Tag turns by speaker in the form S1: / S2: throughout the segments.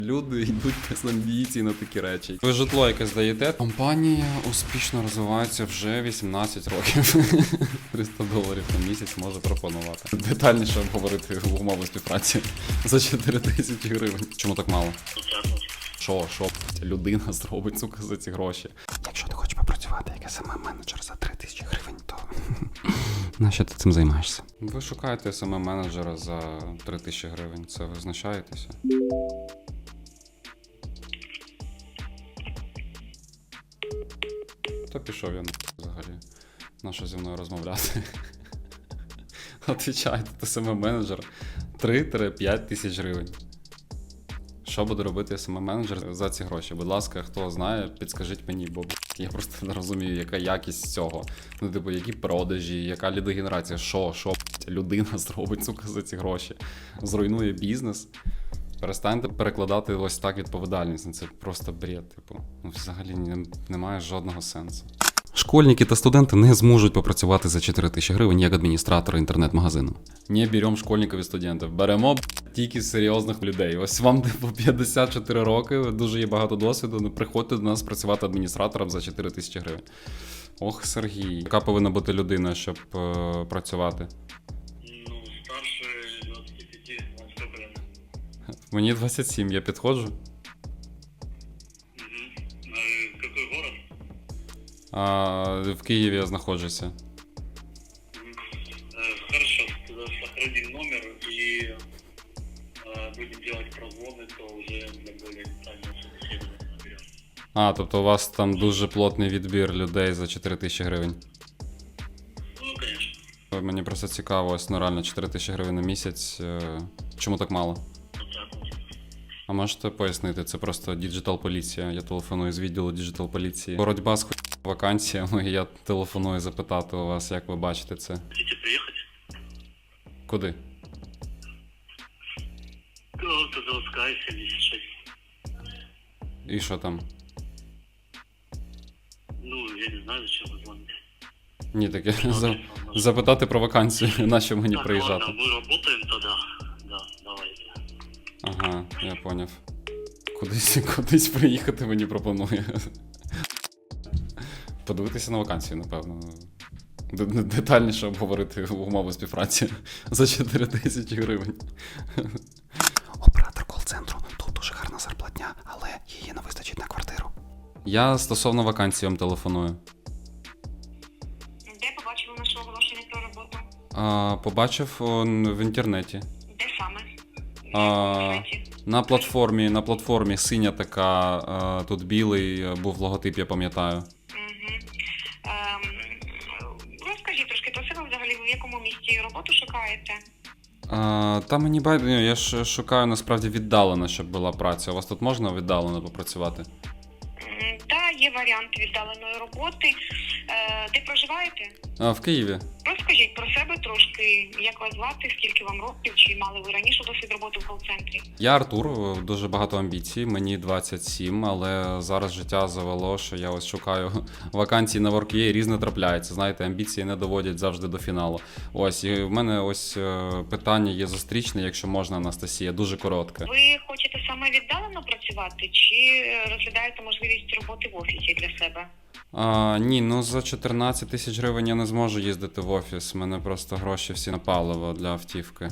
S1: Люди йдуть без амбіцій на такі речі. Ви житло яке здаєте? Компанія успішно розвивається вже 18 років. 300 доларів на місяць може пропонувати. Детальніше обговорити умови співпраці за 4 тисячі гривень. Чому так мало? Що людина зробить, сука, за ці гроші? Якщо ти хочеш попрацювати як SMM-менеджер за 3 тисячі гривень, то нащо ти цим займаєшся? Ви шукаєте SMM-менеджера за 3 тисячі гривень. Це ви знущаєтеся? То пішов я взагалі. Нащо зі мною розмовляти? Отвічайте, ти SMM-менеджер 3-5 тисяч гривень. Що буде робити SMM-менеджер за ці гроші? Будь ласка, хто знає, підскажіть мені, бо я просто не розумію, яка якість цього. Ну, типу, які продажі, яка лідогенерація, що людина зробить, сука, за ці гроші. Зруйнує бізнес. Перестаньте перекладати ось так відповідальність. Це просто бред, типу. Ну, взагалі немає жодного сенсу. Школьники та студенти не зможуть попрацювати за 4 тисячі гривень як адміністратори інтернет-магазину. Не беремо школьників і студентів, беремо тільки серйозних людей. Ось вам по 54 роки, дуже є багато досвіду, не приходьте до нас працювати адміністратором за 4 тисячі гривень. Ох, Сергій, яка повинна бути людина, щоб працювати?
S2: Ну, старше 25-20 прям.
S1: Мені 27, я підходжу.
S2: Какой город?
S1: В Києві я знаходжуся.
S2: Хорошо, тогда сохраним номер и будем делать прозвоны, то уже для более детального собеседования.
S1: Тобто у вас там дуже плотний відбір людей за 4 тисячі гривень.
S2: Ну, конечно.
S1: Мені просто цікаво, ось, ну реально 4 тисячі гривень на місяць. Чому так мало?
S2: Вот так вот.
S1: А можете пояснити, це просто діджитал-поліція. Я телефоную з відділу діджитал-поліції. Боротьба з вакансіями, і я телефоную запитати у вас, як ви бачите це.
S2: Хотите приехать?
S1: Куди?
S2: Автозаводская 76.
S1: І що там?
S2: Ну, я не знаю, зачем вы звоните.
S1: Ні, таке запитати про вакансію, на що мені
S2: Так,
S1: приїжджати.
S2: ладно, мы работаем тогда. Да, давайте.
S1: Ага, я поняв. Кудись приїхати мені пропонує. Подивитися на вакансію, напевно. Детальніше обговорити умови співпраці за 4 тисячі гривень. Оператор кол-центру. Тут дуже гарна зарплатня, але її не вистачить на квартиру. Я стосовно вакансії вам телефоную.
S3: Де побачили наше оголошення про роботу?
S1: Побачив в інтернеті.
S3: Де саме?
S1: А,
S3: На сайті?
S1: На платформі синя така, тут білий був логотип, я пам'ятаю.
S3: Угу. Розкажіть трошки про себе взагалі, ви в якому місті роботу шукаєте?
S1: Та мені байдуже, я ж шукаю насправді віддалено, щоб була праця. У вас тут можна віддалено попрацювати?
S3: Та, є варіант віддаленої роботи. Де проживаєте?
S1: В Києві.
S3: Розкажіть про себе трошки, як вас звати, скільки вам років, чи мали ви раніше досвід роботи в кол-центрі?
S1: Я Артур, дуже багато амбіцій, мені 27, але зараз життя завело, що я ось шукаю вакансії на Work.ua, і різне трапляється. Знаєте, амбіції не доводять завжди до фіналу. Ось, і в мене ось питання є зустрічне, якщо можна, Анастасія, дуже коротке.
S3: Ви хочете саме віддалено працювати, чи розглядаєте можливість роботи в офісі для себе?
S1: Ні, ну за 14 тисяч гривень я не зможу їздити в офіс, у мене просто гроші всі на паливо для автівки.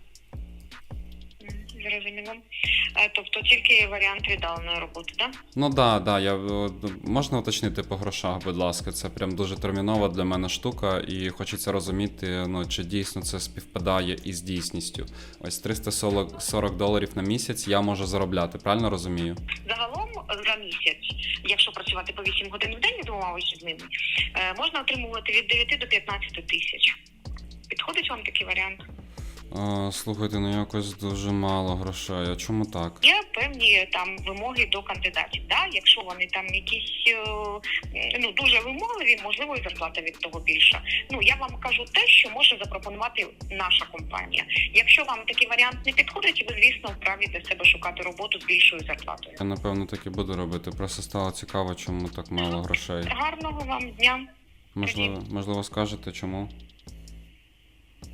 S3: Зрозуміло. Тобто тільки варіант віддаленої роботи, так?
S1: Ну да, можна уточнити по грошах, будь ласка, це прям дуже термінова для мене штука, і хочеться розуміти, ну, чи дійсно це співпадає із дійсністю. Ось 340 доларів на місяць я можу заробляти, правильно розумію?
S3: Загалом за місяць, якщо працювати по 8 годин в день, 2 вихідними, можна отримувати від 9 до 15 тисяч. Підходить вам такий варіант?
S1: Слухайте, ну якось дуже мало грошей, а чому так?
S3: Є певні там вимоги до кандидатів. Да? Якщо вони там якісь дуже вимогливі, можливо, і зарплата від того більша. Ну, я вам кажу те, що може запропонувати наша компанія. Якщо вам такий варіант не підходить, ви, звісно, вправі для себе шукати роботу з більшою зарплатою.
S1: Я, напевно, так і буду робити. Просто стало цікаво, чому так мало грошей.
S3: Гарного вам дня.
S1: Можливо, скажете, чому?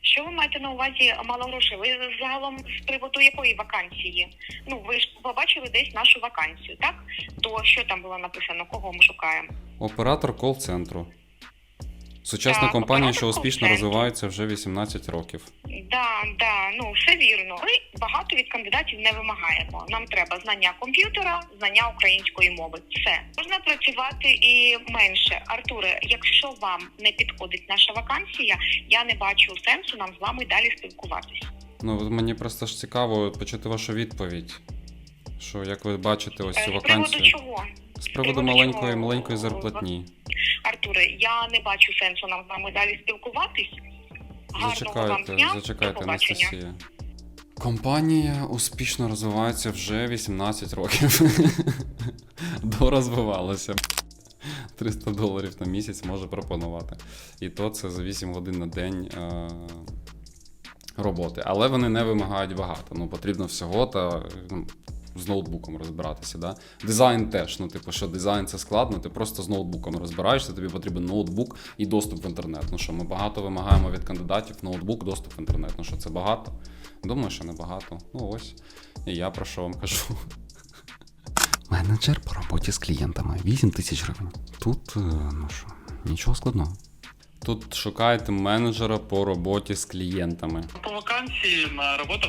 S3: Що ви маєте на увазі мало грошей? Ви загалом з приводу якої вакансії? Ну, ви ж побачили десь нашу вакансію, так? То що там було написано, кого ми шукаємо?
S1: Оператор кол-центру. Сучасна
S3: Так,
S1: компанія,
S3: оператор
S1: що успішно
S3: кол-центру.
S1: розвивається вже 18 років.
S3: Да, ну все вірно. Ми багато від кандидатів не вимагаємо. Нам треба знання комп'ютера, знання української мови. Все. Можна працювати і менше. Артуре, якщо вам не підходить наша вакансія, я не бачу сенсу нам з вами далі спілкуватися.
S1: Ну, от мені просто ж цікаво почути вашу відповідь. Що, як ви бачите ось цю
S3: З приводу
S1: вакансію?
S3: чого?
S1: З приводу
S3: приводу
S1: маленької
S3: чого?
S1: зарплатні.
S3: Артуре, я не бачу сенсу нам з вами далі спілкуватись. Гарного вам дня.
S1: Зачекайте,
S3: До побачення.
S1: Анастасія. Компанія успішно розвивається вже 18 років. Дорозвивалася. $300 на місяць може пропонувати. І то це за 8 годин на день роботи. Але вони не вимагають багато. Ну, потрібно всього та з ноутбуком розбиратися. Да? Дизайн теж. Ну, типу, що дизайн це складно, ти просто з ноутбуком розбираєшся, тобі потрібен ноутбук і доступ в інтернет. Ну що, ми багато вимагаємо від кандидатів, ноутбук, доступ в інтернет. Ну що, це багато? Думаю, що не багато. Ну ось. І я про що вам кажу. Менеджер по роботі з клієнтами. 8 тисяч гривень. Тут, ну що, нічого складного. Тут шукаєте менеджера по роботі з клієнтами.
S2: По вакансії на роботу.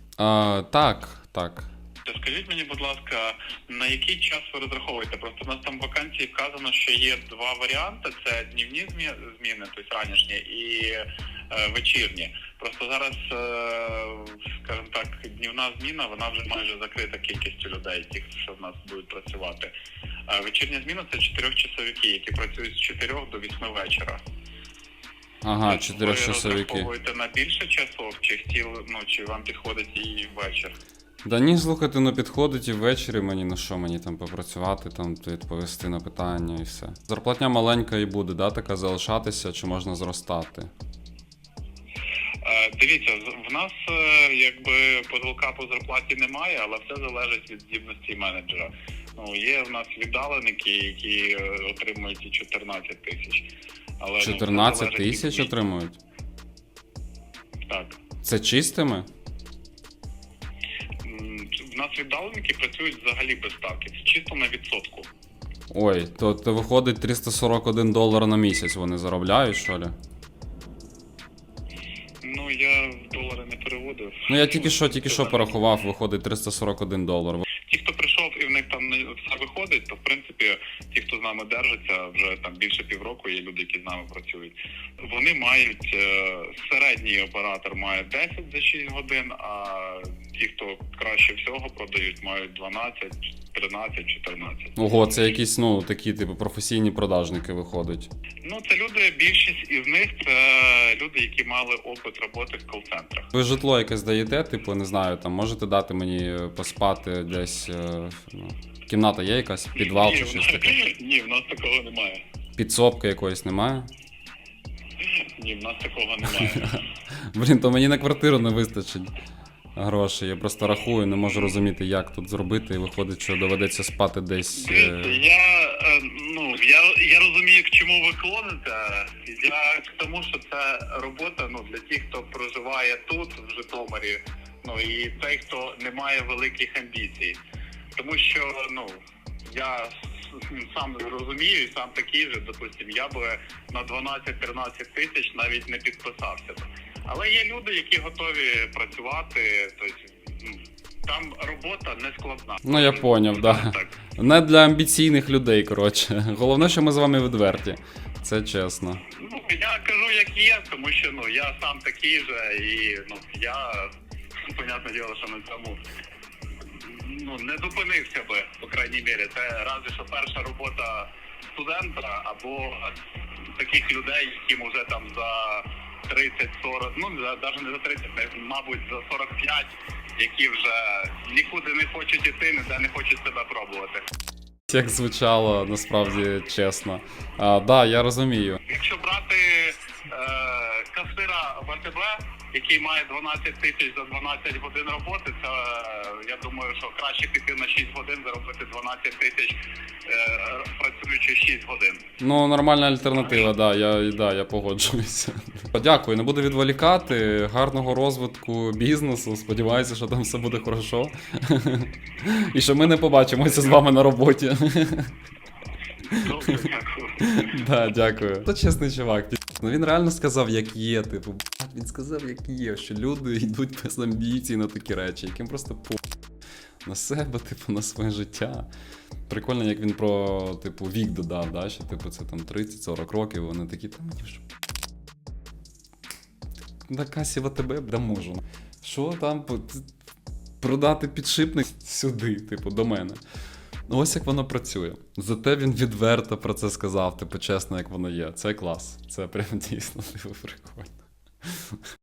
S1: Так.
S2: Скажіть мені, будь ласка, на який час ви розраховуєте? Просто у нас там в вакансії вказано, що є два варіанти: це днівні зміни, тобто ранішні, і вечірні. Просто зараз, скажімо так, днівна зміна, вона вже майже закрита кількістю людей, тих, що в нас будуть працювати. А вечірня зміна – це 4-часовики, які працюють з 4 до 8 вечора.
S1: Ага,
S2: Тобто
S1: 4-часовики.
S2: Ви розраховуєте на більше часов, чи вам підходить і вечір?
S1: Да ні, слухайте, ну підходить і ввечері мені, ну що мені там попрацювати, там відповісти на питання і все. Зарплатня маленька і буде, да, така залишатися, чи можна зростати?
S2: Дивіться, в нас якби потолка по зарплаті немає, але все залежить від здібності менеджера. Ну, є в нас віддаленики, які отримують і 14 тисяч. Але
S1: 14 тисяч отримують?
S2: Так.
S1: Це чистими?
S2: В нас віддаленики працюють взагалі без ставки, це чисто на відсотку.
S1: Ой, то виходить $341 на місяць вони заробляють, що ли?
S2: Ну, я в долари не переводив.
S1: Ну я тільки що порахував, виходить $341.
S2: Ті, хто прийшов і в них там все виходить, то в принципі ті, хто з нами держиться, вже там більше півроку є люди, які з нами працюють. Вони мають, середній оператор має 10 за 6 годин, а ті, хто краще всього продають, мають 12, 13, 14.
S1: Ого, це якісь, ну, такі, типу, професійні продажники виходять.
S2: Ну, це люди, більшість із них, це люди, які мали опит роботи в кол-центрах.
S1: Ви житло якесь даєте, типу, не знаю, там можете дати мені поспати десь, ну, кімната є якась, підвал чи щось таке?
S2: Ні, в нас такого немає.
S1: Підсобки якоїсь немає?
S2: Ні, в нас такого немає.
S1: Блін, то мені на квартиру не вистачить грошей. Я просто рахую, не можу розуміти, як тут зробити, і виходить, що доведеться спати десь.
S2: Дивіться, я розумію, к чому ви клоните. Я к тому, що це робота, ну, для тих, хто проживає тут, в Житомирі, ну, і той, хто не має великих амбіцій. Тому що, ну, я сам розумію, і сам такий же, допустим, я би на 12-13 тисяч навіть не підписався. Але є люди, які готові працювати, тобто, там робота не складна.
S1: Ну, я поняв, да.
S2: Так.
S1: Не для амбіційних людей, коротше. Головне, що ми з вами відверті. Це чесно.
S2: Ну, я кажу, як є, тому що, ну, я сам такий же, і, ну, я, понятне діло, що на цьому, ну, не зупинився би, по крайній мірі. Це разве що перша робота студента, або таких людей, яким вже там за 30-40, ну, навіть не за 30, мабуть, за 45, які вже нікуди не хочуть іти, ніде не хочуть себе пробувати.
S1: Як звучало, насправді, чесно. Да, я розумію.
S2: Якщо брати касира в АТБ, який має 12 тисяч за 12 годин роботи, це я думаю, що краще піти на 6 годин, заробити 12 тисяч, працюючи 6 годин.
S1: Ну, нормальна альтернатива, я погоджуюся. Дякую, не буду відволікати. Гарного розвитку бізнесу. Сподіваюся, що там все буде хорошо. І що ми не побачимося з вами на роботі.
S2: Добре, дякую.
S1: Да, дякую. Це чесний чувак. Ну він реально сказав, як є. Типу, він сказав, як є, що люди йдуть без амбіцій на такі речі, яким просто на себе, типу, на своє життя. Прикольно, як він про, типу, вік додав, да? Що типу це там 30-40 років, вони такі, та мені вже на касі в АТБ, да можу. Що там продати підшипник сюди, типу, до мене. Ну ось як воно працює. Зате він відверто про це сказав, типу, чесно, як воно є. Це клас. Це прям дійсно, типу, прикольно.